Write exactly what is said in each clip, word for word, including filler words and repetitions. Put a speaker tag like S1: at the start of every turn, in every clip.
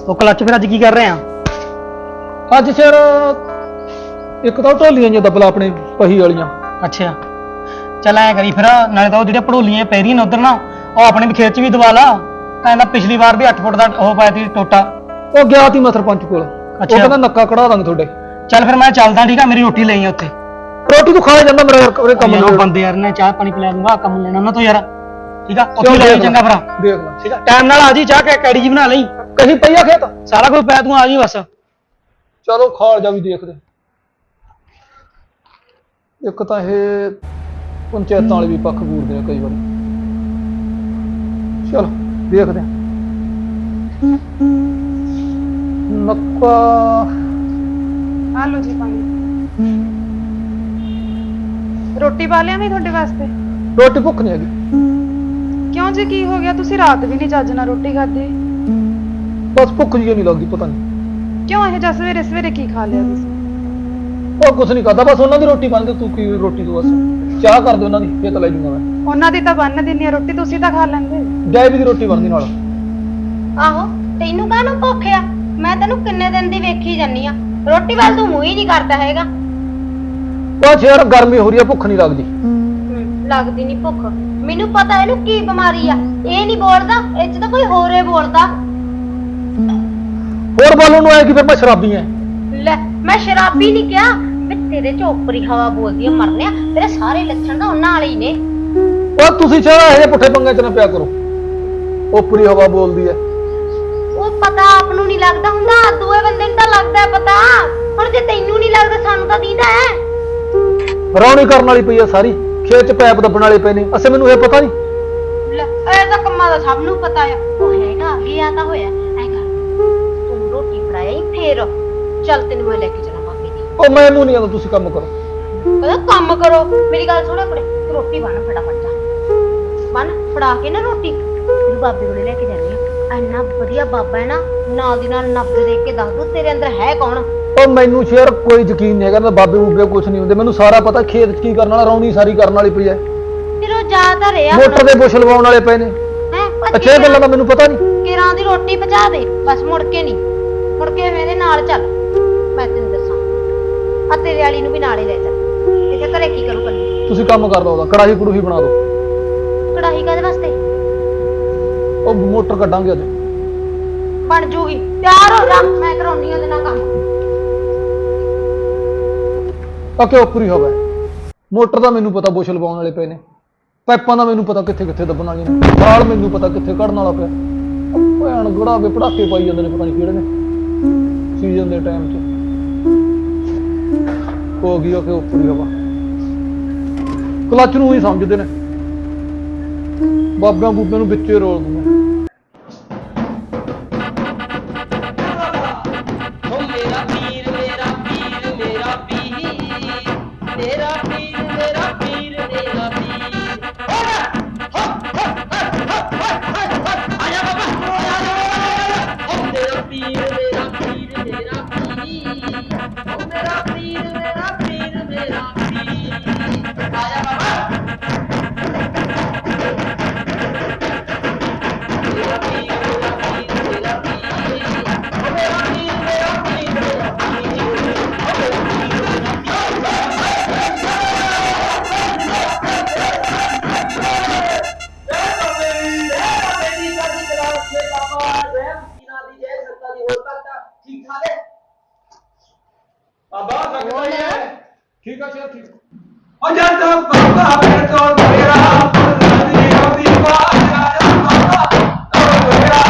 S1: ਉਹ ਕਲੱਚ ਫਿਰ ਅੱਜ ਕੀ ਕਰ ਰਹੇ ਆ?
S2: ਅੱਜ ਸਿਰ ਇੱਕ ਤਾਂ ਢੋਲੀਆਂ ਜਿਹਾ ਦਬਲਾ ਆਪਣੇ ਪਹੀ ਵਾਲੀਆਂ।
S1: ਅੱਛਾ ਚੱਲ ਐ ਕਰੀ ਫਿਰ, ਨਾਲੇ ਤਾਂ ਉਹ ਜਿਹੜੇ ਪੜੋਲੀਆਂ ਪੈ ਰਹੀਆਂ ਨੇ ਉਧਰ ਨਾ, ਉਹ ਆਪਣੇ ਵੀ ਖੇਤ ਚ ਵੀ ਦਵਾ ਲਾ। ਕਹਿੰਦਾ ਪਿਛਲੀ ਵਾਰ ਵੀ ਅੱਠ ਫੁੱਟ ਦਾ ਉਹ ਪਾਇਆ ਸੀ ਟੋਟਾ।
S2: ਉਹ ਗਿਆ ਸੀ ਮੈਂ ਸਰਪੰਚ ਕੋਲ, ਉਹ ਕਹਿੰਦਾ ਨੱਕਾ ਕਢਾ ਦਾਂਗੇ ਤੁਹਾਡੇ।
S1: ਚੱਲ ਫਿਰ ਮੈਂ ਚੱਲਦਾ, ਠੀਕ ਆ? ਮੇਰੀ ਰੋਟੀ ਲਈ ਆ ਉੱਥੇ।
S2: ਰੋਟੀ ਤੂੰ ਖਾ ਜਾਂਦਾ ਮੇਰਾ ਯਾਰ ਕੰਮ
S1: ਉਹ ਬੰਦੇ ਯਾਰ ਨੇ ਚਾਹ ਪਾਣੀ ਪਿਲਾ ਦੂੰਗਾ, ਕੰਮ ਲੈਣਾ ਉਹਨਾਂ ਤੋਂ ਯਾਰ। ਠੀਕ ਆ ਉੱਥੇ ਲੈ ਚੰਗਾ ਭਰਾ,
S2: ਦੇਖ ਲੈ।
S1: ਠੀਕ ਆ ਟਾਈਮ ਨਾਲ ਆ ਜੀ, ਚਾਹ ਕੈੜੀ ਜੀ ਬਣਾ ਲਈ।
S2: ਕਹੀਂ ਪਈਆ ਖੇਤ
S1: ਸਾਰਾ ਕੁਝ ਪੈ ਤੂੰ ਆ ਜੀ ਬਸ।
S2: ਚਲੋ ਖਾਲ ਜਾ ਵੀ ਦੇਖਦੇ। ਇੱਕ ਤਾਂ ਇਹ ਪੰਚਾਇਤਾਂ ਵਾਲੇ ਵੀ ਪੱਖ ਪੂਰਦੇ ਨੇ ਕਈ ਵਾਰੀ। ਚਲ ਦੇਖਦੇ ਨੱਕਾ।
S3: ਆ ਲਓ ਜੀ ਪਾਣੀ। ਰੋਟੀ ਪਾ ਲਿਆ ਮੈਂ ਤੁਹਾਡੇ ਵਾਸਤੇ।
S2: ਰੋਟੀ ਭੁੱਖ ਨਹੀਂ ਹੈਗੀ।
S3: ਕਿਉਂ ਜੀ, ਕੀ ਹੋ ਗਿਆ? ਤੁਸੀਂ ਰਾਤ ਵੀ ਨਹੀਂ ਚੱਜ ਨਾਲ ਰੋਟੀ ਖਾਧੀ।
S2: ਬਸ ਭੁੱਖ ਜਿਹੀ ਨਹੀਂ ਲੱਗਦੀ, ਪਤਾ ਨਹੀਂ
S3: ਕਿਉਂ ਇਹ ਜਿਹਾ ਸਵੇਰੇ ਸਵੇਰੇ ਕੀ ਖਾ ਲਿਆ ਤੁਸੀਂ?
S2: ਉਹ ਕੁਛ ਨਹੀਂ ਕਰਦਾ, ਬਸ ਉਹਨਾਂ ਦੀ ਰੋਟੀ ਬਣ ਗਈ। ਤੂੰ ਕੀ ਰੋਟੀ ਤੂੰ ਬਸ ਚਾਹ ਕਰ ਦੇ ਉਹਨਾਂ ਦੀ, ਫੇਰ ਤਾਂ ਲੈ ਜੂੰਗਾ ਮੈਂ।
S3: ਉਹਨਾਂ ਦੀ ਤਾਂ ਬੰਨ ਦਿੰਨੀ ਆ ਰੋਟੀ, ਤੁਸੀਂ ਤਾਂ ਖਾ ਲੈਂਦੇ।
S2: ਜੈਵੀ ਦੀ ਰੋਟੀ ਬਣਦੀ ਨਾਲ।
S4: ਆਹੋ ਤੈਨੂੰ ਕਾਹਨੂੰ ਭੁੱਖ ਆ? ਮੈਂ ਤੈਨੂੰ ਕਿੰਨੇ ਦਿਨ ਦੀ ਵੇਖੀ ਜਾਨੀ ਆ, ਰੋਟੀ ਵੱਲ ਤੂੰ ਮੂੰਹ ਹੀ ਨਹੀਂ ਕਰਦਾ ਹੈਗਾ।
S2: ਬਸ ਯਾਰ ਗਰਮੀ ਹੋ ਰਹੀ ਆ, ਭੁੱਖ ਨਹੀਂ ਲੱਗਦੀ।
S4: ਲੱਗਦੀ ਨਹੀਂ ਭੁੱਖ, ਮੈਨੂੰ ਪਤਾ ਇਹਨੂੰ ਕੀ ਬਿਮਾਰੀ ਆ। ਇਹ ਨਹੀਂ ਬੋਲਦਾ, ਇਹ ਚ ਤਾਂ ਕੋਈ ਹੋਰ ਏ ਬੋਲਦਾ।
S2: ਹੋਰ ਬੋਲਣ ਨੂੰ ਆਇਆ ਕਿ ਫਿਰ ਮੈਂ ਸ਼ਰਾਬੀ ਐ?
S4: ਲੈ ਮੈਂ ਸ਼ਰਾਬੀ ਨਹੀਂ ਕਿਹਾ, ਵੀ ਤੇਰੇ ਚ ਉਪਰੀ ਹਵਾ ਬੋਲਦੀ ਆ ਮਰਨਿਆ। ਤੇਰੇ ਸਾਰੇ ਲੱਛਣ ਤਾਂ ਉਹਨਾਂ ਵਾਲੇ ਹੀ ਨੇ।
S2: ਉਹ ਤੁਸੀਂ ਚਾਹ ਇਹ ਪੁੱਠੇ ਪੰਗੇ ਚ ਨਾ ਪਿਆ ਕਰੋ। ਉਪਰੀ ਹਵਾ ਬੋਲਦੀ ਐ।
S4: ਉਹ ਪਤਾ ਆਪ ਨੂੰ ਨਹੀਂ ਲੱਗਦਾ ਹੁੰਦਾ, ਦੂਏ ਬੰਦੇ ਨੂੰ ਤਾਂ ਲੱਗਦਾ ਪਤਾ। ਹੁਣ ਜੇ ਤੈਨੂੰ ਨਹੀਂ ਲੱਗਦਾ, ਸਾਨੂੰ ਤਾਂ ਦੀਦਾ ਹੈ।
S2: ਰੌਣੀ ਕਰਨ ਵਾਲੀ ਪਈ ਆ ਸਾਰੀ, ਖੇਤ ਚ ਪੈਪ ਦੱਬਣ ਵਾਲੇ ਪਏ ਨੇ। ਅਸੇ ਮੈਨੂੰ ਇਹ ਪਤਾ ਨਹੀਂ।
S4: ਲੈ ਇਹ ਤਾਂ ਕੰਮਾਂ ਦਾ ਸਭ ਨੂੰ ਪਤਾ ਆ। ਉਹ ਹੈਗਾ ਗਿਆ ਤਾਂ ਹੋਇਆ। ਐ ਕਰ ਤੂੰ ਰੋਟੀ ਫੜਾਈ, ਫੇਰ ਚੱਲ ਤੈਨੂੰ ਮੈਂ ਲੈ ਕੇ ਚੱਲਾਂ ਬਾਬੇ ਦੀ।
S2: ਉਹ ਮੈਨੂੰ ਨਹੀਂ ਆਉਂਦਾ, ਤੁਸੀਂ ਕੰਮ ਕਰੋ।
S4: ਕਹਿੰਦਾ ਕੰਮ ਕਰੋ, ਮੇਰੀ ਗੱਲ ਸੁਣੋ ਕੁੜੇ, ਤੂੰ ਰੋਟੀ ਬਣ ਫਟਾਫਟ ਜਾ। ਬਣ ਫੜਾ ਕੇ ਨਾ ਰੋਟੀ ਤੈਨੂੰ ਬਾਬੇ ਕੋਲੇ ਲੈ ਕੇ ਜਾਣੀ ਆ। ਇੰਨਾ ਵਧੀਆ ਬਾਬਾ ਹੈ ਨਾ, ਨਾਲ ਦੀ ਨਾਲ ਨਬਜ਼ ਦੇਖ ਕੇ ਦੱਸ ਦੂ ਤੇਰੇ ਅੰਦਰ ਹੈ ਕੌਣ।
S2: ਉਹ ਮੈਨੂੰ ਸ਼ੇਰ ਕੋਈ ਯਕੀਨ ਨਹੀਂ ਹੈਗਾ, ਬਾਬੇ ਬੂਬੇ ਕੁਛ ਨਹੀਂ ਹੁੰਦੇ। ਮੈਨੂੰ ਸਾਰਾ ਪਤਾ, ਖੇਤ ਚ ਕੀ ਕਰਨ ਵਾਲਾ, ਰੌਣੀ ਸਾਰੀ ਕਰਨ ਵਾਲੀ ਪਈ ਐ।
S4: ਫਿਰ ਉਹ ਜਾ ਤਾਂ ਰਿਹਾ
S2: ਮੋਟਰ ਦੇ ਬੁਸ਼ ਲਵਾਉਣ ਵਾਲੇ ਪਏ ਨੇ।
S4: ਹੈ
S2: ਅੱਛਾ ਇਹ ਗੱਲਾਂ ਦਾ ਮੈਨੂੰ ਪਤਾ ਨਹੀਂ।
S4: ਕਿਰਾਂ ਦੀ ਰੋਟੀ ਪਹੁੰਚਾ ਦੇ ਬਸ, ਮੁੜ ਕੇ ਨਹੀਂ। ਮੁੜ ਕੇ ਮੇਰੇ ਨਾਲ ਚੱਲ, ਮੈਂ ਤੈਨੂੰ ਦੱਸਾਂ। ਆ ਤੇਰੇ ਵਾਲੀ ਨੂੰ ਵੀ ਨਾਲ ਹੀ ਲੈ ਚੱਲ। ਇੱਥੇ ਘਰੇ ਕੀ ਕਰੂ ਕੱਲੀ?
S2: ਤੁਸੀਂ ਕੰਮ ਕਰ ਲਓ, ਉਹਦਾ ਕੜਾਹੀ ਕੜੂਹੀ ਬਣਾ ਦਿਓ।
S4: ਕੜਾਹੀ ਕਾਹਦੇ ਵਾਸਤੇ?
S2: ਉਹ ਮੋਟਰ ਕੱਢਾਂਗੇ ਅੱਜ।
S4: ਬਣ ਜੂਗੀ, ਤਿਆਰ ਹੋ ਜਾ, ਮੈਂ ਕਰਾਉਣੀ ਉਹਦੇ ਨਾਲ ਕੰਮ।
S2: ਅੱਕੇ ਉਪਰੀ ਹਵਾ। ਮੋਟਰ ਦਾ ਮੈਨੂੰ ਪਤਾ ਬੁਸ਼ ਲਵਾਉਣ ਵਾਲੇ ਪਏ ਨੇ। ਪਾਈਪਾਂ ਦਾ ਮੈਨੂੰ ਪਤਾ ਕਿੱਥੇ ਕਿੱਥੇ ਦੱਬਣ ਵਾਲੀਆਂ ਨੇ। ਬਾਲ ਮੈਨੂੰ ਪਤਾ ਕਿੱਥੇ ਕੱਢਣ ਵਾਲਾ ਪਿਆ। ਭੈਣ ਗੜਾ ਕੇ ਪੜਾਕੇ ਪਾਈ ਜਾਂਦੇ ਨੇ, ਪਤਾ ਨਹੀਂ ਕਿਹੜੇ ਨੇ ਸੀਜ਼ਨ ਦੇ ਟਾਈਮ 'ਚ। ਹੋ ਗਈ ਅੱਕੇ ਉਪਰੀ ਹਵਾ। ਕਲੱਚ ਨੂੰ ਹੀ ਸਮਝਦੇ ਨੇ, ਬਾਬਿਆਂ ਬੂਬਿਆਂ ਨੂੰ ਵਿੱਚੇ ਰੋਲ ਦਿੰਦੇ। ਠੀਕ ਆ ਸ਼ੇਰ, ਠੀਕ।
S5: ਉਹ ਜਦ ਬਾਬਾ ਫਿਰ ਤੋੜ ਮੇਰਾ ਨਦੀ ਆਉਂਦੀ ਬਾਜਾ ਬਾਬਾ ਤੋੜ ਮੇਰਾ।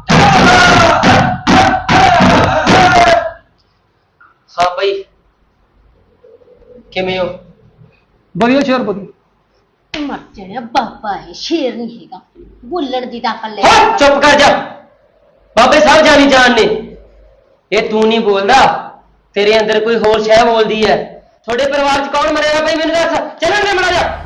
S6: ਹਾਂ ਭਾਈ ਕਿਵੇਂ ਹੋ?
S2: ਵਧੀਆ ਸ਼ੇਰ, ਵਧੀਆ।
S4: ਮਰ ਜਾਣਾ, ਬਾਬਾ ਹੈ, ਸ਼ੇਰ ਨਹੀਂ ਹੈਗਾ। ਬੁੱਲੜ ਦੀ ਤਾਂ ਅਕਲ ਲੈ।
S6: ਓਏ ਚੁੱਪ ਕਰ ਜਾ, ਬਾਬੇ ਸਾਹਿਬ ਜਾਨੀ ਜਾਨ ਨੇ। ਇਹ ਤੂੰ ਨਹੀਂ ਬੋਲਦਾ, ਤੇਰੇ ਅੰਦਰ ਕੋਈ ਹੋਰ ਸ਼ੈ ਬੋਲਦੀ ਹੈ। ਤੁਹਾਡੇ ਪਰਿਵਾਰ ਚ ਕੌਣ ਮਰੇਗਾ ਭਾਈ, ਮੈਨੂੰ ਦੱਸ। ਚੱਲਣ ਦੇ ਮੜਾ ਜਾ।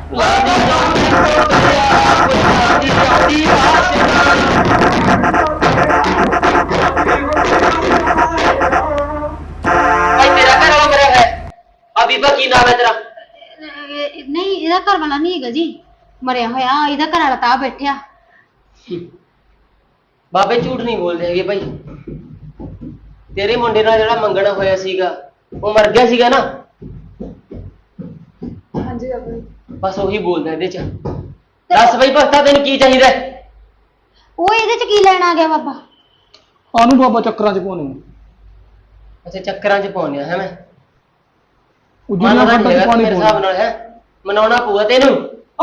S6: ਭਾਈ ਤੇਰਾ ਘਰ ਵਾਲਾ ਮਰਿਆ ਹੈ? ਆ ਬੀਬਾ ਕੀ ਨਾਮ ਹੈ ਤੇਰਾ?
S4: ਨਹੀਂ ਇਹਦਾ ਘਰ ਵਾਲਾ ਨਹੀਂ ਹੈਗਾ ਜੀ, ਮਰਿਆ ਹੋਇਆ। ਇਹਦਾ ਘਰ ਵਾਲਾ ਤਾਂ ਬੈਠਿਆ।
S6: ਬਾਬੇ ਝੂਠ ਨਹੀਂ ਬੋਲਦੇ ਹੈਗੇ ਭਾਈ। ਤੇਰੇ ਮੁੰਡੇ ਨਾਲ ਜਿਹੜਾ ਮੰਗਣਾ ਹੋਇਆ ਸੀਗਾ ਉਹ ਮਰ ਗਿਆ ਸੀਗਾ ਨਾ।
S3: ਹਾਂਜੀ ਬਾਬਾ ਜੀ।
S6: ਬਸ ਉਹੀ ਬੋਲਦਾ ਇਹਦੇ ਚ। ਦੱਸ ਬਈ ਭਗਤਾ ਤੈਨੂੰ ਕੀ ਚਾਹੀਦਾ?
S4: ਉਹ ਇਹਦੇ ਚ ਕੀ ਲੈਣ ਆ ਗਿਆ ਬਾਬਾ?
S2: ਆਨੂੰ ਬਾਬਾ ਚੱਕਰਾਂ 'ਚ ਪਾਉਣੇ
S6: ਅੱਛਾ ਚੱਕਰਾਂ ਚ ਪਾਉਂਦੇ ਹੈ ਮੈਂ
S2: ਉਜੜੀਆਂ
S6: ਮੰਨਦਾ
S2: ਖੱਡਾਂ
S6: ਨਹੀਂ
S2: 'ਚ
S6: ਹੈਗਾ
S2: ਪਾਣੀ
S6: ਮੇਰੇ ਹਿਸਾਬ
S2: ਪਾਉਣੇ
S6: ਨਾਲ ਹੈ ਮਨਾਉਣਾ ਪਊਗਾ ਤੈਨੂੰ।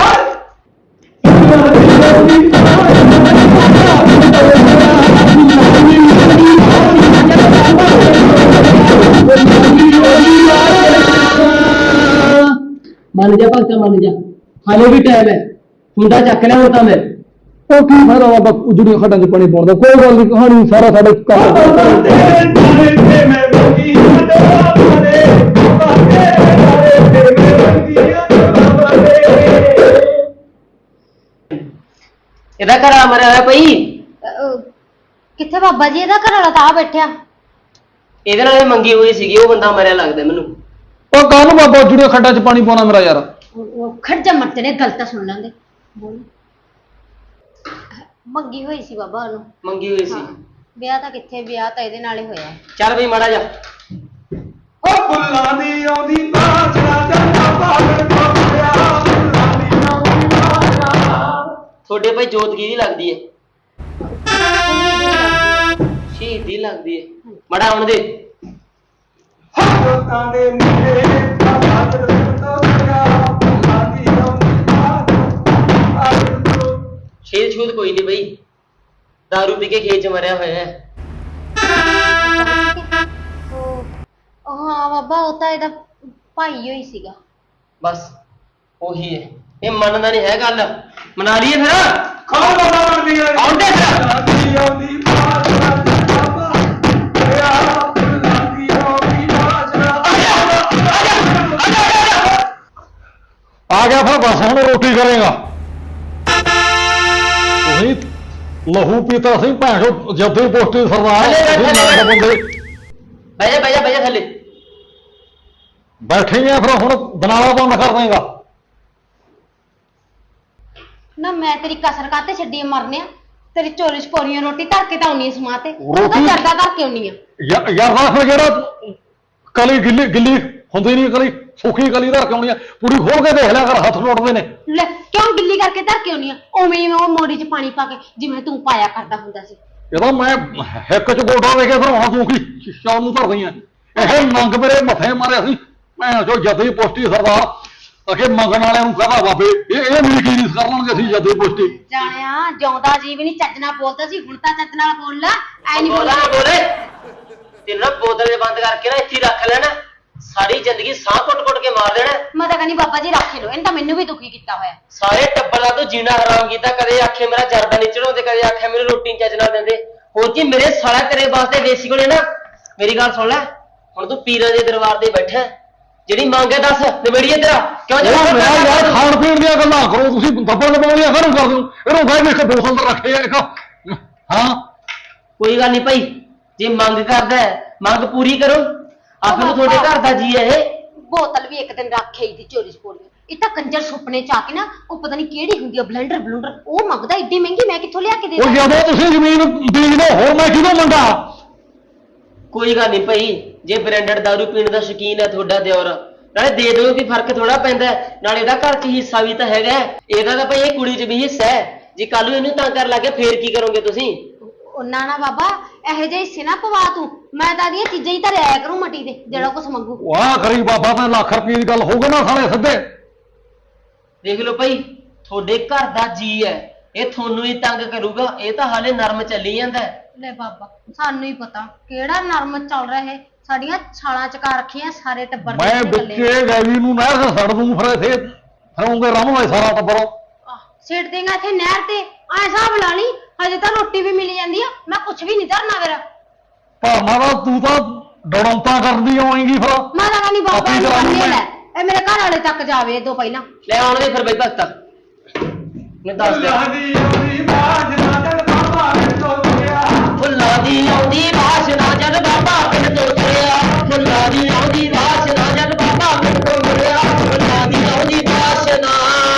S6: ਮੰਨ ਜਾ ਭਗਤਾ ਮੰਨ ਜਾ ਹਾਲੇ ਵੀ ਟਾਈਮ ਹੈ ਹੁੰਦਾ ਚੱਕ ਲਿਆ ਹੁਣ ਤਾਂ ਮੈਂ।
S2: ਉਹ ਕੀ ਫਾਇਦਾ ਬਾਬਾ ਉਜੜੀਆਂ ਖੱਡਾਂ 'ਚ ਪਾਣੀ ਪਾਉਣ ਦਾ? ਕੋਈ ਗੱਲ ਨਹੀਂ, ਕਹਾਣੀ ਸਾਰਾ ਸਾਡੇ ਕੰਮ
S6: ਇਹਦਾ ਘਰ ਆ ਮਰਿਆ ਹੋਇਆ ਪਈ।
S4: ਅਹ, ਕਿੱਥੇ ਬਾਬਾ ਜੀ? ਇਹਦਾ ਘਰ ਵਾਲਾ ਤਾਂ ਆ ਬੈਠਿਆ।
S6: ਇਹਦੇ ਨਾਲ ਇਹ ਮੰਗੀ ਹੋਈ ਸੀਗੀ ਉਹ ਬੰਦਾ ਮਰਿਆ ਲੱਗਦਾ ਮੈਨੂੰ।
S2: ਉਹ ਕਾਹਨੂੰ ਬਾਬਾ ਉਜੜੀਆਂ ਖੱਡਾਂ 'ਚ ਪਾਣੀ ਪਾਉਣਾ ਮੇਰਾ ਯਾਰ?
S4: ਉਹ ਖੜਜਾ ਮਰਤੇ ਨੇ ਗਲਤ ਸੁਣ ਲੈਂਦੇ। ਮੰਗੀ ਹੋਈ ਸੀ ਬਾਬਾ ਉਹਨੂੰ।
S6: ਮੰਗੀ ਹੋਈ ਸੀ।
S4: ਵਿਆਹ ਤਾਂ ਕਿੱਥੇ, ਵਿਆਹ ਤਾਂ ਇਹਦੇ ਨਾਲ ਹੀ ਹੋਇਆ।
S6: ਚੱਲ ਬਈ ਮਾੜਾ ਜਾ।
S5: ਉਹ ਫੁੱਲਾਂ ਦੀ ਆਉਂਦੀ ਬਾਸ਼ਨਾ ਚੰਗਾ ਪਾਗਲ ਕੋਲਿਆ ਫੁੱਲਾਂ ਦੀ ਆਉਂਦੀ ਬਾਸ਼ਨਾ।
S6: ਤੁਹਾਡੇ ਭਾਈ ਜੋਤ ਕਿਹਦੀ ਲੱਗਦੀ ਹੈ? ਸ਼ਹੀਦੀ ਲੱਗਦੀ ਹੈ। ਮਾੜਾ ਆਉਣ ਦੇ।
S5: ਜੋਤਾਂ ਦੇ ਮੁੰਡੇ ਬਾਬਾ ਜਦ ਤੋੜਿਆ ਫੁੱਲਾਂ ਦੀ ਆਉਂਦੀ ਬਾਸ਼ਨਾ।
S6: ਸ਼ੇਰ ਛੂਤ ਕੋਈ ਨਹੀਂ ਬਈ ਦਾਰੂ ਪੀ ਕੇ ਖੇਤ ਚ ਮਰਿਆ ਹੋਇਆ ਹੈ।
S4: ਉਹ ਹਾਂ ਬਾਬਾ, ਉਹ ਤਾਂ ਇਹਦਾ ਭਾਈ ਹੋਈ ਸੀਗਾ।
S6: ਬਸ ਉਹੀ ਹੈ। ਇਹ ਮੰਨਦਾ ਨਹੀਂ ਹੈ ਗੱਲ। ਮਨਾ ਲਈਏ ਫਿਰ।
S5: ਖਾਓ ਬਾਬਾ ਮੰਦੀ
S6: ਆਉਣ ਦੇ ਫਿਰ।
S5: ਆਉਂਦੀ ਆਉਂਦੀ ਬਾਸ਼ਨਾ ਚੰਗਾ ਪਾਗਲ ਫੁੱਲਾਂ ਦੀ ਆਉਂਦੀ ਬਾਸ਼ਨਾ।
S2: ਆ ਗਿਆ ਫਿਰ ਬਸ ਹੁਣ ਰੋਟੀ ਕਰੇਗਾ। ਤੁਸੀਂ ਲਹੂ ਪੀਤਾ ਸੀ ਭੈਣੋ ਜੱਦੀ ਪੋਸਟੀ ਸਰਦਾਰ
S6: ਥੱਲੇ ਬੈਠ,
S2: ਤੁਸੀਂ
S6: ਥੱਲੇ
S2: ਨਾ ਬੰਦੇ
S6: ਬਹਿ ਜਾ ਬਹਿ ਜਾ ਬਹਿ ਜਾ ਥੱਲੇ।
S2: ਬੈਠੇ ਆ ਫਿਰ ਹੁਣ ਬਨਾਲਾ ਬੰਦ ਕਰ ਦੇਗਾ।
S4: ਨਾ ਮੈਂ ਤੇਰੀ ਕਸਰ ਕਾਤੇ ਛੱਡੀ ਆ ਮਰਨਿਆ। ਤੇਰੀ ਚੋਰੀ ਛਪੋਰੀਆਂ ਰੋਟੀ ਧਰ ਕੇ ਤਾਂ ਆਉਣੀ ਸਮਾਂ ਤੇ ਉਹ ਤਾਂ
S2: ਰੋਟੀ-
S4: ਜਰਦਾ ਧਰ ਕੇ ਆਉਣੀ ਆ।
S2: ਯਾਰ ਯਾਰ ਦਾ ਫਿਰ ਜਿਹੜਾ ਕਲੀ ਗਿੱਲੀ ਗਿੱਲੀ ਹੁੰਦੀ ਨਹੀਂ, ਕਲੀ ਸੁੱਕੀ ਕਲੀ ਧਰ ਕੇ ਆਉਣੀ ਆ। ਪੂਰੀ ਖੋਲ ਕੇ ਦੇਖ ਲਿਆ ਕਰ, ਹੱਥ ਟੁੱਟਦੇ ਨੇ।
S4: ਲੈ ਕਿਉਂ ਗਿੱਲੀ ਕਰਕੇ ਧਰ ਕੇ ਆਉਣੀ ਆ? ਉਵੇਂ ਹੀ ਉਹ ਮੋੜੀ 'ਚ ਪਾਣੀ ਪਾ ਕੇ ਜਿਵੇਂ ਤੂੰ ਪਾਇਆ ਕਰਦਾ ਹੁੰਦਾ ਸੀ।
S2: ਇਹਦਾ ਮੈਂ ਹਿੱਕ ਚ ਗੋਡਾ ਦੇ ਕੇ ਫਿਰ ਹੁਣ ਤੂੰ ਕੀ ਸ਼ਾਮ ਨੂੰ ਧਰਦੀ ਆ? ਇਹ ਨੰਗ ਮੇਰੇ ਮੱਥੇ ਮਾਰਿਆ ਸੀ ਭੈਣ ਚੋ ਜੱਦੀ ਪੋਸਟੀ ਸਰਦਾਰ ਅਖੇ ਮੰਗਣ ਵਾਲਿਆਂ ਨੂੰ ਕਹਦਾ ਬਾਬੇ ਇਹ ਇਹ ਮੇਰੀ ਕੀ ਨਹੀਂ ਕਰ ਲੈਣਗੇ ਅਸੀਂ ਜੱਦੀ ਪੋਸਟੀ।
S4: ਜਾਣਿਆ ਜਿਉਂਦਾ ਜੀ ਵੀ ਨਹੀਂ ਚੱਜ ਨਾਲ ਬੋਲਦਾ ਸੀ, ਹੁਣ ਤਾਂ ਚੱਜ ਨਾਲ ਬੋਲ ਲੈ। ਐ ਨਹੀਂ
S6: ਬੋਲਾ
S4: ਬੋਲਦਾ।
S6: ਨਾ ਬੋਲੇ। ਤੈਨੂੰ ਨਾ ਬੋਤਲ ਦੇ ਬੰਦ ਕਰਕੇ ਨਾ ਇੱਥੇ ਹੀ ਰੱਖ ਲੈਣਾ। ਸਾਰੀ ਜ਼ਿੰਦਗੀ ਸਾਹ ਘੁੱਟ-ਘੁੱਟ ਕੇ ਮਾਰ ਦੇਣਾ।
S4: ਮੈਂ ਤਾਂ ਕਹਿੰਦੀ ਬਾਬਾ ਜੀ ਰੱਖ ਲਓ, ਇਹਨੇ ਤਾਂ ਮੈਨੂੰ ਵੀ ਦੁਖੀ ਕੀਤਾ ਹੋਇਆ।
S6: ਸਾਰੇ ਟੱਬਰ ਦਾ ਤੂੰ ਜੀਣਾ ਹਰਾਮ ਕੀਤਾ। ਕਦੇ ਆਖੇ ਮੇਰਾ ਜਰਦਾ ਨਹੀਂ ਚੜਾਉਂਦੇ, ਕਦੇ ਆਖੇ ਮੈਨੂੰ ਰੋਟੀ ਚੱਜ ਨਾਲ ਦਿੰਦੇ। ਹੋਰ ਕੀ ਮੇਰੇ ਸਾਲਾ ਤੇਰੇ ਵਾਸਤੇ ਦੇਸੀ ਕੋਲੇ ਨਾ। ਮੇਰੀ ਗੱਲ ਸੁਣ ਲੈ, ਹੁਣ ਤੂੰ ਪੀਰਾਂ ਦੇ ਦਰਬਾਰ ਤੇ ਬੈਠਾ, ਜਿਹੜੀ ਮੰਗ ਹੈ ਦੱਸ ਨਿਬੇੜੀਏ ਤੇਰਾ। ਕਿਉਂ
S2: ਉਹ ਮੇਰਾ ਯਾਰ ਖਾਣ ਪੀਣ ਦੀਆਂ ਗੱਲਾਂ ਕਰੋ ਤੁਸੀਂ, ਦੱਬਣ ਲਵਾਉਣੀਆਂ ਕਾਹਨੂੰ ਕਰਦੇ ਹੋ? ਇਹਨੂੰ ਗਾਇ ਵਿੱਚ ਬੋਤਲ ਤਾਂ ਰੱਖੇ ਆ ਇੱਕ। ਹਾਂ
S6: ਕੋਈ ਗੱਲ ਨਹੀਂ ਭਾਈ, ਜੇ ਮੰਗ ਕਰਦਾ ਹੈ, ਮੰਗ ਪੂਰੀ ਕਰੋ। ਆਪ ਨੂੰ ਤੁਹਾਡੇ ਘਰ ਦਾ ਜੀ ਹੈ ਇਹ।
S4: ਬੋਤਲ ਵੀ ਇੱਕ ਦਿਨ ਰੱਖੇ ਹੀ ਦੀ ਚੋਰੀ ਛਪੋਰੀ। ਇਹ ਤਾਂ ਕੰਜਰ ਸੁਪਨੇ ਚ ਆ ਕੇ ਨਾ ਉਹ ਪਤਾ ਨਹੀਂ ਕਿਹੜੀ ਹੁੰਦੀ ਆ ਬਲੈਂਡਰ ਬਲੂੰਡਰ ਉਹ ਮੰਗਦਾ ਏਡੀ ਮਹਿੰਗੀ, ਮੈਂ ਕਿੱਥੋਂ ਲਿਆ ਕੇ ਦੇ
S2: ਉਹ
S4: ਦਾਂ?
S2: ਜਦੋਂ ਤੁਸੀਂ ਜ਼ਮੀਨ ਬੀਜਦੇ ਹੋਰ ਮੈਂ ਕਿਹਨੂੰ ਮੰਗਾ?
S6: ਕੋਈ ਗੱਲ ਨਹੀਂ ਭਾਈ, ਜੇ ਬ੍ਰਾਂਡਡ ਦਾਰੂ ਪੀਣ ਦਾ ਸ਼ੌਕੀਨ ਹੈ ਤੁਹਾਡਾ ਦਿਓਰ, ਨਾਲੇ ਦੇ ਦਿਓ ਕਿ ਫਰਕ ਥੋੜਾ ਪੈਂਦਾ ਹੈ। ਨਾਲੇ ਇਹਦਾ ਘਰ 'ਚ ਹਿੱਸਾ ਵੀ ਤਾਂ ਹੈਗਾ ਹੈ। ਇਹਦਾ ਤਾਂ ਭਾਈ ਇਹ ਕੁੜੀ 'ਚ ਵੀ ਹਿੱਸਾ ਹੈ। ਜੇ ਕੱਲ ਨੂੰ ਇਹਨੂੰ ਤੰਗ ਕਰ ਲੱਗੇ ਫੇਰ ਕੀ ਕਰੋਗੇ ਤੁਸੀਂ?
S4: ਉਹਨਾਂ ਨਾ ਬਾਬਾ ਇਹੋ ਜਿਹੇ ਹਿੱਸੇ ਨਾ ਪਵਾ ਤੂੰ। ਮੈਂ ਤਾਂ ਦੀਆਂ ਚੀਜ਼ਾਂ ਹੀ ਤਾਂ ਲਿਆਇਆ ਕਰੂੰ ਮਟੀ ਦੇ ਜਿਹੜਾ ਕੁਛ ਮੰਗੂ।
S2: ਵਾਹ ਕਰੀ ਬਾਬਾ ਤਾਂ ਲੱਖ ਰੁਪਏ ਦੀ ਗੱਲ ਹੋਊਗਾ ਨਾ ਸਾਲੇ ਸਿੱਧੇ।
S6: ਦੇਖ ਲਓ ਭਾਈ, ਤੁਹਾਡੇ ਘਰ ਦਾ ਜੀ ਹੈ, ਇਹ ਤੁਹਾਨੂੰ ਹੀ ਤੰਗ ਕਰੂਗਾ। ਇਹ ਤਾਂ ਹਾਲੇ ਨਰਮ ਚੱਲੀ ਜਾਂਦਾ ਹੈ।
S4: ਲੈ ਬਾਬਾ ਸਾਨੂੰ ਹੀ ਪਤਾ ਕਿਹੜਾ ਨਰਮ ਚੱਲ ਰਿਹਾ ਹੈ। ਸਾਡੀਆਂ ਛਾਲਾਂ ਚਕਾ ਰੱਖੀਆਂ ਸਾਰੇ ਟੱਬਰ ਦੇ
S2: ਮੈਂ
S4: ਥੱਲੇ।
S2: ਵਿੱਚੇ ਗੈਵੀ ਨੂੰ ਨਹਿਰ ਤੇ ਛੱਡ ਦੂੰ, ਫਿਰ ਇੱਥੇ ਫਿਰੂੰਗੇ ਰਮਵਾ ਸਾਰਾ ਟੱਬਰ।
S4: ਆਹ, ਸਿੱਟ ਦੇਗਾ ਇੱਥੇ ਨਹਿਰ ਤੇ। ਐ ਹਿਸਾਬ ਲਾ ਲਈ ਹਜੇ ਤਾਂ ਰੋਟੀ ਵੀ ਮਿਲ ਜਾਂਦੀ ਆ, ਮੈਂ ਕੁਛ ਵੀ ਨਹੀਂ ਧਰਨਾ ਮੇਰਾ।
S2: ਭਾਵਨਾ ਦਾ ਤੂੰ ਤਾਂ ਡੜੌਂਤਾ ਕਰਦੀ ਆਏਂਗੀ ਫਿਰ।
S4: ਮੈਂ ਤਾਂ ਕਹਿੰਦੀ ਬਾਬਾ
S2: ਆਪਣੀ
S4: ਨੂੰ
S2: ਤਰ੍ਹਾਂ
S4: ਬੰਨੇ
S2: ਮੈਂ-
S4: ਲੈ, ਇਹ ਮੇਰੇ ਘਰ ਵਾਲੇ ਤੱਕ ਜਾਵੇ ਇਹ ਤੋਂ ਪਹਿਲਾਂ।
S6: ਲੈ ਆਉਣ ਦੇ ਫਿਰ ਬਈ ਭਗਤਾ, ਮੈਂ ਦੱਸ ਦਿਆਂ।
S5: ਫੁੱਲਾਂ ਦੀ ਆਉਂਦੀ ਬਾਸ਼ਨਾ ਜਦ ਬਾਬਾ ਪਿੰਡ ਤੋਂ ਤੁਰਿਆ।
S6: ਫੁੱਲਾਂ ਦੀ ਆਉਂਦੀ ਵਾਸ਼ਨਾ ਜਦ ਬਾਬਾ ਪਿੰਡ ਤੋਂ ਤੁਰਿਆ। ਫੁੱਲਾਂ ਦੀ ਆਉਂਦੀ ਵਾਸ਼ਨਾ ਜਦ ਬਾਬਾ ਪਿੰਡ ਤੋਂ ਤੁਰਿਆ। ਫੁੱਲਾਂ ਦੀ ਆਉਂਦੀ ਵਾਸ਼ਨਾ।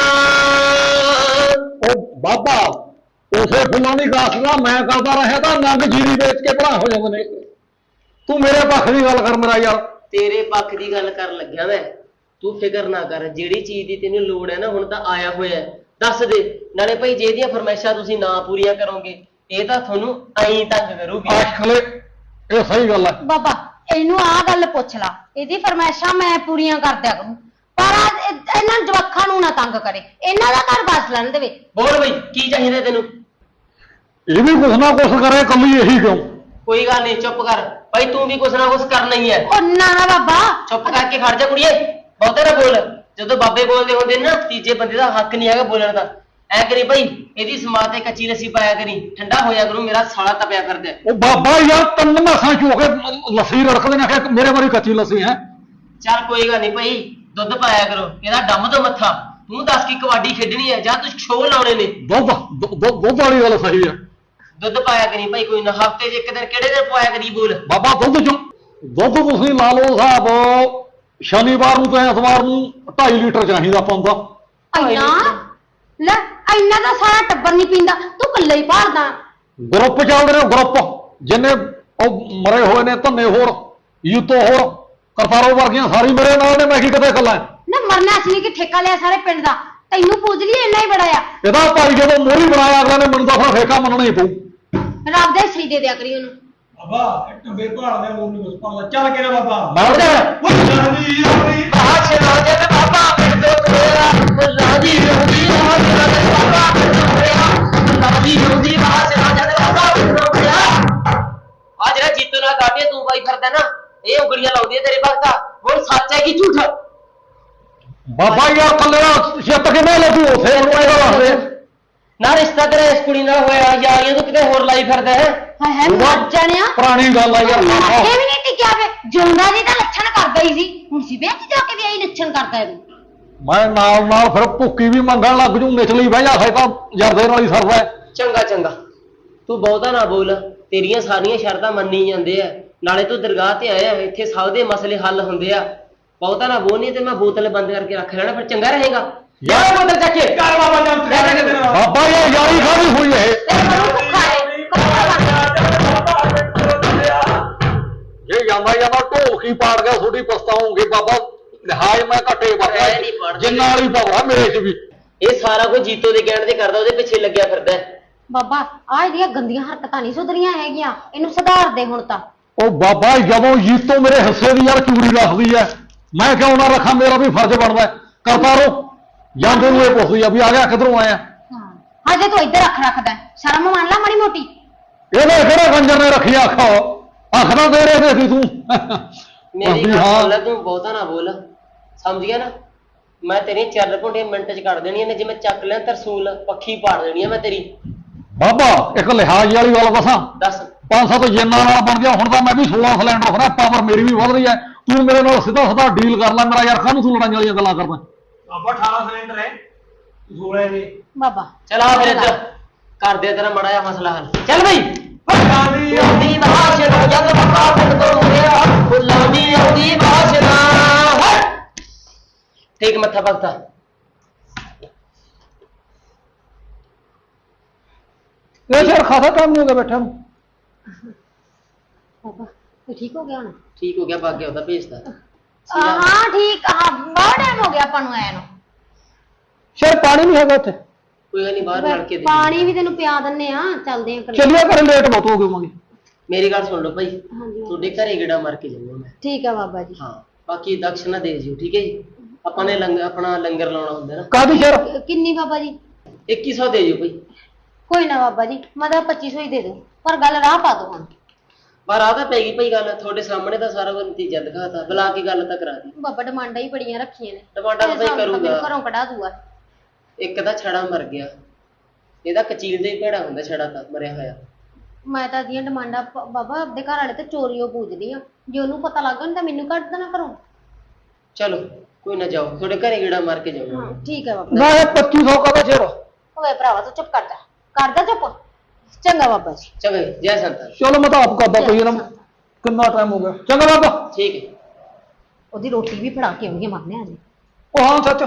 S2: ਉਹ ਬਾਬਾ ਉਸੇ ਫੁੱਲਾਂ ਦੀ ਗਾਸ ਦਾ ਮੈਂ ਕਰਦਾ ਰਿਹਾ ਤਾਂ ਨੰਗ ਜੀਰੀ ਵੇਚ ਕੇ ਭਰਾ ਹੋ ਜਾਂਦੇ ਨੇ। ਤੂੰ ਮੇਰੇ ਪੱਖ ਦੀ ਗੱਲ ਕਰ ਮੇਰਾ ਯਾਰ।
S6: ਤੇਰੇ ਪੱਖ ਦੀ ਗੱਲ ਕਰਨ ਲੱਗਿਆ ਮੈਂ। ਤੂੰ ਫਿਕਰ ਨਾ ਕਰ, ਜਿਹੜੀ ਚੀਜ਼ ਦੀ ਤੈਨੂੰ ਲੋੜ ਹੈ ਨਾ ਹੁਣ ਤਾਂ ਆਇਆ ਹੋਇਆ ਹੈ। ਦੱਸ ਦੇ ਨਾਲੇ ਭਾਈ, ਜੇ ਇਹਦੀਆਂ ਫਰਮਾਇਸ਼ਾਂ ਤੁਸੀਂ ਨਾ ਪੂਰੀਆਂ ਕਰੋਗੇ ਇਹ ਤਾਂ ਤੁਹਾਨੂੰ ਐਂ ਤੰਗ ਕਰੂਗੀ।
S2: ਆਖਲੇ ਇਹ ਸਹੀ ਗੱਲ ਹੈ।
S4: ਬਾਬਾ ਇਹਨੂੰ ਆਹ ਗੱਲ ਪੁੱਛ ਲਾ, ਇਹਦੀ ਫਰਮਾਇਸ਼ਾਂ ਮੈਂ ਪੂਰੀਆਂ ਕਰ ਦਿਆ ਕਰੂੰ, ਪਰ ਆਹ ਇਹ- ਇਹਨਾਂ ਜਵਾਕਾਂ ਨੂੰ ਨਾ ਤੰਗ ਕਰੇ, ਇਹਨਾਂ ਦਾ ਘਰ ਬਸ ਲੈਣ ਦੇਵੇ।
S6: ਬੋਲ ਬਈ ਕੀ ਚਾਹੀਦਾ ਤੈਨੂੰ?
S2: ਇਹ ਵੀ ਕੁਛ ਨਾ ਕੁਛ ਕਰੇ, ਕੱਲੀ ਇਹੀ ਕਿਉਂ?
S6: ਕੋਈ ਗੱਲ ਨਹੀਂ, ਚੁੱਪ ਕਰ ਭਾਈ, ਤੂੰ ਵੀ ਕੁਛ ਨਾ ਕੁਛ ਕਰਨਾ ਹੀ ਹੈ।
S4: ਉਹ ਨਾ ਨਾ ਬਾਬਾ,
S6: ਚੁੱਪ ਕਰਕੇ ਖੜ ਜਾ ਕੁੜੀਏ, ਬਹੁਤੇ ਨਾ ਬੋਲ। ਜਦੋਂ ਬਾਬੇ ਬੋਲਦੇ ਹੁੰਦੇ ਨੇ ਨਾ, ਤੀਜੇ ਬੰਦੇ ਦਾ ਹੱਕ ਨਹੀਂ ਹੈਗਾ ਬੋਲਣ ਦਾ। ਐ ਕਰੀ ਭਾਈ, ਇਹਦੀ ਸਮਾਤ ਤੇ ਕੱਚੀ ਲੱਸੀ ਪਾਇਆ ਕਰੀ, ਠੰਡਾ ਹੋਇਆ ਕਰੂ, ਮੇਰਾ ਸਾਲਾ ਤਪਿਆ ਕਰਦਾ।
S2: ਉਹ ਬਾਬਾ ਯਾਰ ਤਿੰਨ ਮਾਸਾਂ ਚ ਹੋ ਕੇ ਲੱਸੀ ਰੜਕਦੇ ਨੇ, ਆਖਿਆ ਮੇਰੇ ਵਾਰੀ ਕੱਚੀ ਲੱਸੀ ਹੈ।
S6: ਚੱਲ ਕੋਈ ਗੱਲ ਨਹੀਂ ਭਾਈ, ਦੁੱਧ ਪਾਇਆ ਕਰੋ, ਇਹਦਾ ਡੰਮ ਤੋਂ ਮੱਥਾ। ਤੂੰ ਦੱਸ ਕੀ ਕਬੱਡੀ ਖੇਡਣੀ ਹੈ ਜਾਂ ਤੂੰ ਸ਼ੋਅ ਲਾਉਣੇ ਨੇ?
S2: ਦੁੱਧ ਦੁੱਧ ਦੁੱਧ ਵਾਲੀ ਗੱਲ ਸਹੀ ਹੈ।
S6: ਦੁੱਧ ਪਾਇਆ ਕਰੀ ਭਾਈ, ਕੋਈ ਨਾ ਹਫਤੇ 'ਚ ਇੱਕ ਦਿਨ, ਕਿਹੜੇ ਦਿਨ ਪਾਇਆ ਕਰੀ ਬੋਲ।
S2: ਬਾਬਾ ਦੁੱਧ ਚੋਂ ਦੁੱਧ ਤੁਸੀਂ ਲਾ ਲਓ ਹਿਸਾਬ, ਸ਼ਨੀਵਾਰ ਨੂੰ ਤੇ ਐਤਵਾਰ ਨੂੰ ਢਾਈ ਲੀਟਰ ਚਾਹੀਦਾ ਪਾਉਂਦਾ।
S4: ਇੰਨਾ ਲੈ, ਇੰਨਾ ਤਾਂ ਸਾਰਾ ਟੱਬਰ ਨਹੀਂ ਪੀਂਦਾ, ਤੂੰ ਇਕੱਲੇ ਹੀ ਭਾਲਦਾ।
S2: ਗਰੁੱਪ ਚੱਲਦੇ ਨੇ ਗਰੁੱਪ, ਜਿੰਨੇ ਉਹ ਮਰੇ ਹੋਏ ਨੇ ਧੰਨੇ ਹੋਰ ਯੂਤੋ ਹੋਰ ਕਰਤਾਰੋ ਵਰਗੀਆਂ ਸਾਰੀ ਮੇਰੇ ਨਾਲ ਨੇ, ਮੈਂ ਕੀ ਕਿਤੇ ਇਕੱਲਾ।
S4: ਨਾ ਮਰਨਾ ਸੀ ਕਿ ਠੇਕਾ ਲਿਆ ਸਾਰੇ ਪਿੰਡ ਦਾ, ਤੈਨੂੰ ਪੂਜ ਲਈ ਇੰਨਾ ਹੀ ਬੜਾ ਆ।
S2: ਇਹਦਾ ਭਾਈ ਜਦੋਂ ਮੋਹਰੀ ਬਣਾਇਆ ਅਗਲੇ ਨੇ, ਮੈਨੂੰ ਤਾਂ ਫਿਰ ਠੇਕਾ ਮੰਨਣਾ ਹੀ ਪਊ।
S4: ਰੱਬ ਦਾ ਸਹੀ ਦੇ ਦਿਆ ਕਰੀ ਉਹਨੂੰ।
S5: ਬਾਬਾ ਇਹ ਟੰਬੇ ਭਾਲਦੇ ਮੂੰਹ ਨਹੀਂ ਕੁਛ ਭਾਲਦਾ। ਚੱਲ ਕੇ ਨਾ ਬਾਬਾ।
S2: ਮੈਂ ਉਹਦੇ
S5: ਫੁੱਲਾਂਦੀ ਆਉਂਦੀ
S6: ਬਾਸ਼ ਰਾਜੇ ਤੇ ਬਾਬਾ ਪਿੰਡ ਤੋੜਿਆ, ਰਾਜੀ ਰੋਦੀ ਰਾਜ ਰਾਜੇ ਬਾਬਾ ਪਿੰਡ ਤੋੜਿਆ, ਰਾਜੀ ਰੋਦੀ ਬਾਸ਼ ਰਾਜੇ ਤੇ ਬਾਬਾ ਪਿੰਡ ਤੋੜਿਆ। ਆ ਜਿਹੜਾ ਜੀਤੋ ਨਾਲ ਗਾਟੇ ਤੂੰ ਬਾਈ ਫਿਰਦਾ ਨਾ, ਇਹ ਉਂਗਲੀਆਂ ਲਾਉਂਦੀ ਹੈ ਤੇਰੇ ਭਗਤਾ। ਹੁਣ ਸੱਚ ਹੈ ਕਿ ਝੂਠ?
S2: ਬਾਬਾ ਯਾਰ ਕੱਲੇ ਛਿੱਤ ਕਿਵੇਂ ਲੱਗੂ ਉਥੇ ਉਹਨੂੰ ਇਹਦਾ ਦੱਸਦੇ।
S6: ਨਾ ਰਿਸ਼ਤਾ ਤੇਰਾ ਇਸ ਕੁੜੀ ਨਾਲ ਹੋਇਆ, ਯਾਰੀਆਂ ਤੂੰ ਕਿਤੇ ਹੋਰ ਲਾਈ ਫਿਰਦਾ ਹੈ।
S4: ਹਾਏ ਹਾਏ ਮਰ ਜਾਣਿਆ,
S2: ਪੁਰਾਣੀ ਗੱਲ ਆ ਯਾਰ।
S4: ਇਹ ਵੀ ਨਹੀਂ ਟਿਕਿਆ ਵੇ, ਜਿਉਂਦਾ ਜੀ ਤਾਂ ਲੱਛਣ ਕਰਦਾ ਹੀ ਸੀ, ਹੁਣ ਸੀ ਵਿਆਹ ਜਾ ਕੇ ਵੀ ਆਈ ਲੱਛਣ ਕਰਦਾ ਹੈ।
S2: ਮੈਂ ਨਾਲ ਨਾਲ ਫਿਰ ਭੁੱਕੀ ਵੀ ਮੰਗਣ ਲੱਗ ਜੂ, ਨਿਚਲੀ ਬਹਿ ਜਾ, ਤਾਂ ਜਰਦੇ ਨਾਲ ਹੀ ਸਰਦਾ।
S6: ਚੰਗਾ ਚੰਗਾ, ਤੂੰ ਬਹੁਤਾ ਨਾ ਬੋਲ, ਤੇਰੀਆਂ ਸਾਰੀਆਂ ਸ਼ਰਤਾਂ ਮੰਨੀ ਜਾਂਦੇ ਆ। ਨਾਲੇ ਤੂੰ ਦਰਗਾਹ ਤੇ ਆਇਆ, ਇੱਥੇ ਸਭ ਦੇ ਮਸਲੇ ਹੱਲ ਹੁੰਦੇ ਆ। ਬਹੁਤਾ ਨਾ ਬੋਲ, ਨਹੀਂ ਤੇ ਮੈਂ ਬੋਤਲ ਬੰਦ ਕਰਕੇ ਰੱਖ ਲੈਣਾ, ਫਿਰ ਚੰਗਾ ਰਹੇਗਾ। ਯਾਰ ਬੋਤਲ ਚੱਕ ਕੇ
S5: ਕਰ ਬਾਬਾ ਜਾਂ
S2: ਬਾਬਾ ਯਾਰ ਯਾਰੀ ਖਾਦੀ ਹੋਈ ਇਹ।
S4: ਤੇਰੇ ਮੂੰਹ ਭੁੱਖਾ ਹੈ,
S2: ਜੇ ਜਾਂਦਾ ਜਾਂਦਾ ਢੋਲਕੀ ਪਾੜ ਗਿਆ, ਤੁਹਾਡੀ ਪਛਤਾਉਂਗੇ ਬਾਬਾ। ਲਿਹਾਜ਼ ਮੈਂ ਘੱਟੇ
S6: ਮੈਂ ਨਹੀਂ
S2: ਵਰਗਾ,
S6: ਪਾੜਦਾ।
S2: ਜਿੰਨਾ ਵਾਲੀ ਪਾਵਰਾ ਮੇਰੇ ਚ ਵੀ।
S6: ਇਹ ਸਾਰਾ ਕੁਝ ਜੀਤੋ ਦੇ ਕਹਿਣ ਤੇ ਕਰਦਾ, ਉਹਦੇ ਪਿੱਛੇ ਲੱਗਿਆ ਫਿਰਦਾ ਹੈ।
S4: ਬਾਬਾ ਆਹ ਇਹਦੀਆਂ ਗੰਦੀਆਂ ਹਰਕਤਾਂ ਨਹੀਂ ਸੁਧਰੀਆਂ ਹੈਗੀਆਂ, ਇਹਨੂੰ ਸੁਧਾਰ ਦੇ ਹੁਣ ਤਾਂ।
S2: ਉਹ ਬਾਬਾ ਜਦੋਂ ਜੀਤੋ ਮੇਰੇ ਹਿੱਸੇ ਦੀ ਯਾਰ ਚੂੜੀ ਰੱਖਦੀ ਐ, ਮੈਂ ਕਿਉਂ ਨਾ ਰੱਖਾਂ? ਮੇਰਾ ਵੀ ਫਰਜ਼ ਬਣਦਾ। ਕਰਤਾ ਰੋ ਜਾਂਦੇ ਨੂੰ ਇਹ ਪੁੱਛਦੀ ਆ ਵੀ ਆ ਗਿਆ ਕਿੱਧਰੋਂ ਆਇਆ।
S4: ਹਾਂ ਹਜੇ ਤੂੰ ਇੱਧਰ ਰੱਖ ਰੱਖਦਾ, ਸ਼ਰਮ ਮੰਨ ਲੈ ਮਾੜੀ ਮੋਟੀ।
S2: ਇਹਨੇ ਕਿਹੜਾ ਕੰਜਰ ਨੇ ਰੱਖੀ ਅੱਖ? ਅੱਖਾਂ ਦੇ ਰਹੇ ਸੀ ਤੂੰ।
S6: ਮੇਰੀ
S2: ਵੀ
S6: ਗੱਲ
S2: ਹਾਂ।
S6: ਸੁਣ ਲੈ, ਤੂੰ ਬਹੁਤਾ ਨਾ ਬੋਲ, ਸਮਝ ਗਿਆ ਨਾ? ਮੈਂ ਤੇਰੀ ਚੱਲ ਘੁੰਡੇ ਮਿੰਟ ਚ ਕੱਢ ਦੇਣੀਆਂ ਨੇ, ਜਿਵੇਂ ਚੱਕ ਲਿਆ ਤਰਸੂਲ ਪੱਖੀ ਪਾੜ ਦੇਣੀ ਆ ਮੈਂ ਤੇਰੀ।
S2: ਬਾਬਾ ਇੱਕ ਲਿਹਾਜ਼ ਵਾਲੀ ਗੱਲ ਦੱਸਾਂ,
S6: ਦੱਸ।
S2: ਪੰਜ ਸੱਤ ਜਿੰਨਾ ਨਾਲ ਬਣ ਗਿਆ, ਹੁਣ ਤਾਂ ਮੈਂ ਵੀ ਸੋਲਾਂ ਸਿਲੰਡਰ ਖੜਾ, ਪਾਵਰ ਮੇਰੀ ਵੀ ਵਧ ਰਹੀ ਐ। ਤੂੰ ਮੇਰੇ ਨਾਲ ਸਿੱਧਾ ਸਿੱਧਾ ਡੀਲ ਕਰ ਲੈ ਮੇਰਾ ਯਾਰ, ਕਾਹਨੂੰ ਤੂੰ ਲੜਾਈਆਂ ਵਾਲੀਆਂ ਗੱਲਾਂ ਕਰਦਾ?
S5: ਬਾਬਾ ਅਠਾਰਾਂ ਸਿਲੰਡਰ ਹੈ ਸੋਲਾਂ ਦੇ।
S4: ਬਾਬਾ
S6: ਚਲ ਆ ਫਿਰ ਇੱਧਰ ਕਰ ਦੇ ਤੇਰਾ ਮੜਾ ਜਿਹਾ ਮਸਲਾ ਹੱਲ। ਚੱਲ ਬਈ।
S5: ਫੁੱਲਾਂਦੀ
S6: ਆਉਂਦੀ ਬਾਸ਼ਨਾ ਜਦ ਬਾਬਾ ਪਿੰਡ ਤੋਂ ਮੁੜਿਆ, ਫੁੱਲਾਂ ਦੀ ਆਉਂਦੀ ਬਾਸ਼ਨਾ। ਠੀਕ ਮੱਥਾ ਭਗਤਾ।
S2: ਇਹ ਸਿਰ ਖਾਸਾ ਟਾਈਮ ਨਹੀਂ ਹੋ ਗਿਆ ਬੈਠਾ ਨੂੰ।
S4: ਬਾਬਾ ਤੂੰ ਠੀਕ ਹੋ ਗਿਆ ਹੁਣ?
S6: ਠੀਕ ਹੋ ਗਿਆ, ਭੱਗ ਗਿਆ, ਉਹਦਾ ਭੇਜਦਾ।
S4: ਹਾਂ ਠੀਕ, ਹਾਂ ਬਹੁਤ ਟਾਈਮ ਹੋ ਗਿਆ ਆਪਾਂ ਨੂੰ ਆਇਆ ਨੂੰ।
S2: ਸਿਰ ਪਾਣੀ ਨਹੀਂ ਹੈਗਾ ਉੱਥੇ।
S6: ਕੋਈ ਗੱਲ ਨਹੀਂ, ਬਾਹਰ ਲੜ ਕੇ ਦੇ।
S4: ਪਾਣੀ ਵੀ ਤੈਨੂੰ ਪਿਆ ਦਿੰਨੇ ਆ, ਚੱਲਦੇ ਆ ਘਰੇ।
S2: ਚੱਲਿਆ ਕਰ, ਲੇਟ ਬਹੁਤ ਹੋ ਗਏ ਹੋਵਾਂਗੇ।
S6: ਮੇਰੀ ਗੱਲ ਸੁਣ ਲਓ ਭਾਈ,
S4: ਹਾਂਜੀ
S6: ਤੁਹਾਡੇ ਘਰੇ ਗੇੜਾ ਮਾਰ ਕੇ ਜਾਊਂਗਾ ਮੈਂ।
S4: ਠੀਕ ਆ ਬਾਬਾ ਜੀ।
S6: ਹਾਂ ਬਾਕੀ ਦਕਸ਼ਨਾ ਦੇ ਜਿਓ, ਠੀਕ ਹੈ ਜੀ? ਆਪਾਂ ਨੇ ਲੰਗਰ ਆਪਣਾ ਲੰਗਰ ਲਾਉਣਾ ਹੁੰਦਾ ਨਾ।
S2: ਕਾਹਦੀ ਸਿਰ?
S4: ਕਿੰਨੀ ਬਾਬਾ ਜੀ?
S6: ਇੱਕੀ ਸੌ ਦੇ ਜਿਓ ਭਾਈ।
S4: ਕੋਈ ਨਾ ਬਾਬਾ ਜੀ, ਮੈਂ ਤਾਂ ਪੱਚੀ ਸੌ ਹੀ ਦੇ ਦੂੰ, ਪਰ ਗੱਲ ਰਾਹ ਪਾ ਦੋ ਹੁਣ।
S6: ਪਰ ਆ ਤਾਂ ਪੈ ਗਈ ਭਾਈ ਗੱਲ, ਤੁਹਾਡੇ ਸਾਹਮਣੇ ਤਾਂ ਸਾਰਾ ਕੁਝ ਨਤੀਜਾ ਦਿਖਾਤਾ, ਬੁਲਾ ਕੇ ਗੱਲ ਤਾਂ ਕਰਾ ਦੀ।
S4: ਬਾਬਾ ਡਿਮਾਂਡਾਂ ਹੀ ਬੜੀਆਂ ਰੱਖੀਆਂ ਨੇ।
S6: ਡਿਮਾਂਡਾਂ ਤਾਂ ਭਾਈ
S4: ਇਹ ਸਾਨੂੰ
S6: ਕਰੂਗਾ।
S4: ਘਰੋਂ ਕਢਾ ਦੂਗਾ।
S6: ਇੱਕ ਤਾਂ ਛੜਾ ਮਰ ਗਿਆ, ਇਹਦਾ ਕਚੀਲ ਦੇ ਹੀ ਭੇੜਾ ਹੁੰਦਾ ਛੜਾ ਤਾਂ ਮਰਿਆ ਹੋਇਆ।
S4: ਮੈਂ ਤਾਂ ਦੀਆਂ ਡਿਮਾਂਡਾਂ ਪ- ਬਾਬਾ ਆਪਦੇ ਘਰ ਵਾਲੇ ਤੇ ਚੋਰੀਓ ਪੂਜਦੀ ਆ, ਜੇ ਉਹਨੂੰ ਪਤਾ ਲੱਗ ਗਿਆ ਤਾਂ ਮੈਨੂੰ ਕੱਢ ਦੇਣਾ ਘਰੋਂ।
S6: ਚਲੋ ਕੋਈ ਨਾ, ਜਾਓ ਤੁਹਾਡੇ ਘਰੇ ਗੇੜਾ ਮਾਰ ਕੇ ਜਾਊਂਗਾ।
S4: ਹਾਂ ਠੀਕ ਹੈ ਬਾਬਾ।
S2: ਨਾ ਇਹ ਪੱਚੀ ਸੌ ਕਾਹਦਾ ਸਿਰ?
S4: ਓਏ ਭਰਾਵਾ ਤੂੰ ਚੁੱਪ ਕਰ ਜਾ, ਕਰ ਜਾ ਚੁੱਪ। ਚੰਗਾ ਬਾਬਾ ਜੀ।
S6: ਚੰਗਾ ਜੀ, ਜੈ ਸੰਤਾਂ।
S2: ਚਲੋ ਮੈਂ ਤਾਂ ਆਪ ਕਰਦਾ ਪਈ ਨਾ, ਕਿੰਨਾ ਟਾਈਮ ਹੋ ਗਿਆ। ਚੰਗਾ ਬਾਬਾ।
S6: ਠੀਕ ਹੈ।
S4: ਉਹਦੀ ਰੋਟੀ ਵੀ ਫੜਾ ਕੇ ਆਉਂਗੀ ਮਾਰਨੇ ਆ ਜੀ।
S2: ਉਹ ਹਾਂ ਸੱਚ,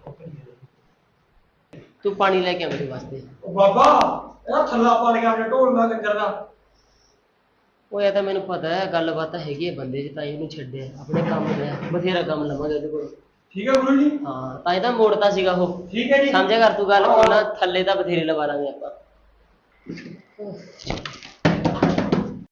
S6: ਤੂੰ ਪਾਣੀ ਲੈ ਕੇ ਆ ਮੇਰੇ ਵਾਸਤੇ।
S5: ਉਹ ਬਾਬਾ ਇਹਦਾ ਥੱਲਾ ਪਾ ਲਿਆ ਆਪਣੇ ਢੋਲ ਦਾ ਕੰਜਰ ਦਾ।
S6: ਉਹ ਇਹ ਤਾਂ ਮੈਨੂੰ ਪਤਾ ਹੈ ਗੱਲਬਾਤ ਤਾਂ ਹੈਗੀ ਹੈ ਬੰਦੇ 'ਚ, ਤਾਂ ਹੀ ਉਹਨੂੰ ਛੱਡਿਆ ਆਪਣੇ ਕੰਮ ਲਿਆ ਬਥੇਰਾ ਕੰਮ ਲਵਾਂਗੇ ਉਹਦੇ ਕੋਲ।
S5: ਠੀਕ ਹੈ ਗੁਰੂ ਜੀ।
S6: ਹਾਂ ਤਾਂ ਹੀ ਤਾਂ ਮੋੜਤਾ ਸੀਗਾ ਉਹ।
S5: ਠੀਕ ਹੈ ਜੀ।
S6: ਸਮਝਿਆ ਕਰ ਤੂੰ ਗੱਲ, ਉਹਨਾਂ ਥੱਲੇ ਤਾਂ ਬਥੇਰੇ ਲਵਾ ਲਾਂਗੇ ਆਪਾਂ।